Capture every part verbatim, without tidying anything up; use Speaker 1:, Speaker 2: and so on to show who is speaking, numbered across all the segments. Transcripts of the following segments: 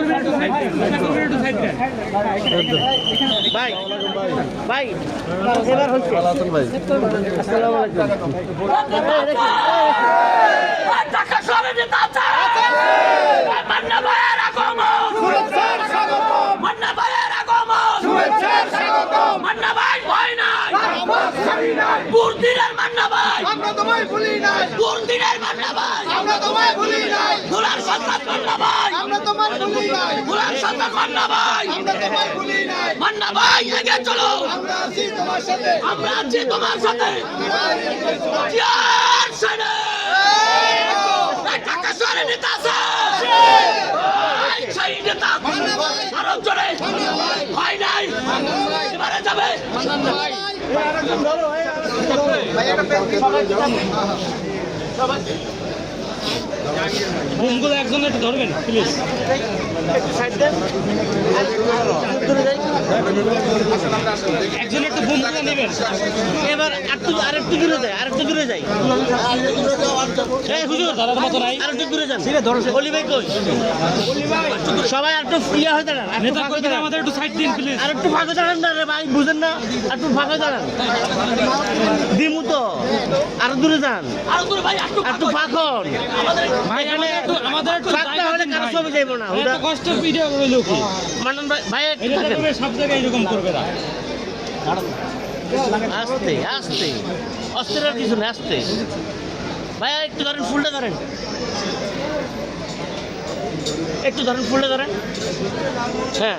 Speaker 1: ভাই ভাই এবার হচ্ছে আসসালামু আলাইকুম
Speaker 2: ঢাকা শহরে নেতা আছে মান্না ভাইয়ের আগমন শুভেচ্ছার স্বাগতম মান্না ভাইয়ের আগমন শুভেচ্ছার স্বাগতম মান্না ভাই ভয় নাই আমরা ছাড়ি নাই বুরদিনের মান্না ভাই আমরা তোমায় ভুলি নাই বুরদিনের মান্না ভাই আমরা তোমায় ভুলি নাই গোলার সন্তান মান্না ভাই আমরা তোমায় ভুলি নাই গোলার সন্তান মান্না ভাই আমরা তোমায় ভুলি নাই মান্না ভাই এগিয়ে চলো আমরা আছি তোমার সাথে আমরা আছি তোমার সাথে জিয়ার সাথে ঢাকা শহরে নেতা আছে সেই নেতা আরো জোরে ভয় নাই এবারে যাবে
Speaker 3: বোমগুলো একজন একটু ধরবেন প্লিজ একজন একটু বোমগুলো নেবেন
Speaker 1: এবার একটু আরেকটু দূরে যাই আরেকটু দূরে যাই
Speaker 3: এই হুজুর ধরার মতো নাই
Speaker 1: আরেকটু দূরে যান অলি ভাই কই সবাই একটু ইয়া হয়ে দাঁড়ান একটু
Speaker 3: নেতা
Speaker 1: ফাঁকা
Speaker 3: কর্মীরা
Speaker 1: দাঁড়ান
Speaker 3: আমাদের একটু সাইড দিন প্লিজ
Speaker 1: আর একটু ফাঁকা দাঁড়ান না রে ভাই বুঝেন না একটু ফাঁকা দাঁড়ান দিমু তো আরো দূরে যান
Speaker 2: আরো দূরে ভাই একটু
Speaker 1: একটু ফাঁকন
Speaker 3: ভাই আমাদের একটু আমাদের একটু
Speaker 1: ফাঁকতে
Speaker 3: জায়গা
Speaker 1: হলে
Speaker 3: দিন
Speaker 1: কারো
Speaker 3: ভাই।
Speaker 1: ছবি যাইবো না
Speaker 3: এত কষ্ট ভিডিও হইলো কি
Speaker 1: মানন ভাই ভাই একটু
Speaker 3: এটা
Speaker 1: থাকেন।
Speaker 3: দেখবে সব জায়গায় এরকম করবে না
Speaker 1: আস্তে আস্তে অস্থির আর কিছু না আস্তে ভাই একটু ধরেন ফুলটা ধরেন একটু ধরেন ফুলটা ধরেন হ্যাঁ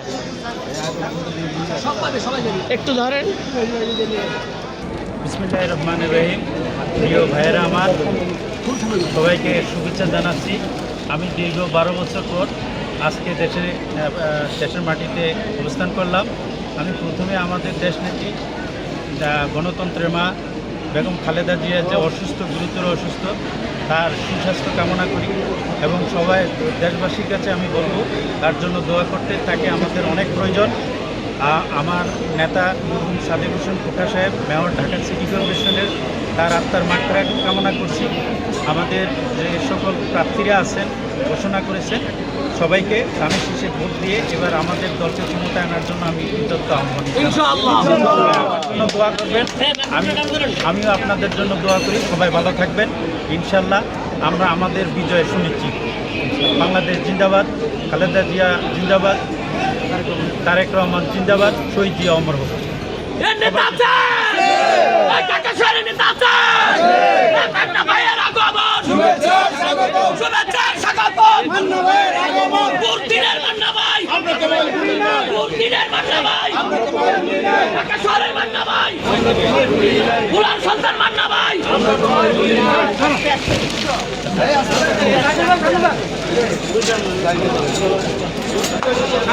Speaker 1: একটু ধরেন
Speaker 4: বিসমিল্লাহির রহমানির রহিম। প্রিয় ভাইয়েরা আমার, সবাইকে শুভেচ্ছা জানাচ্ছি। আমি দীর্ঘ বারো বছর পর আজকে দেশের দেশের মাটিতে অবস্থান করলাম। আমি প্রথমে আমাদের দেশনেত্রী গণতন্ত্রের মা বেগম খালেদা জিয়া যে অসুস্থ, গুরুতর অসুস্থ, তার সুস্বাস্থ্য কামনা করি এবং সবাই দেশবাসীর কাছে আমি বলবো তার জন্য দোয়া করতে। তাকে আমাদের অনেক প্রয়োজন। আমার নেতা সাদেক হোসেন খোকা সাহেব, মেয়র ঢাকা সিটি কর্পোরেশনের, তার আত্মার মাত্রা কামনা করছি। আমাদের যে সকল প্রার্থীরা আছেন ঘোষণা করেছেন, সবাইকে ধানের শীষে ভোট দিয়ে এবার আমাদের দলকে ক্ষমতায় আনার জন্য আমি কৃতজ্ঞ আহ্বান জন্য দোয়া করবেন। আমি আমিও আপনাদের জন্য দোয়া করি। সবাই ভালো থাকবেন ইনশাল্লাহ। আমরা আমাদের বিজয় সুনিশ্চিত। বাংলাদেশ জিন্দাবাদ, খালেদা জিয়া জিন্দাবাদ, তারেক রহমান জিন্দাবাদ, শহীদ জিয়া অমর হোক।
Speaker 2: নেতা আছে ঢাকা শহরে নেতা আছে মান্না ভাইয়ের আগমন শুভেচ্ছার স্বাগতম শুভেচ্ছার স্বাগতম মান্না ভাইয়ের আগমন বুরদিনের মান্না ভাই আমরা তোমায় ভুলি নাই বুরদিনের মান্না ভাই আমরা তোমায় ভুলি নাই ঢাকা শহরের মান্না ভাই আমরা তোমায় ভুলি নাই গোলার সন্তান মান্না ভাই আমরা তোমায় ভুলি নাই।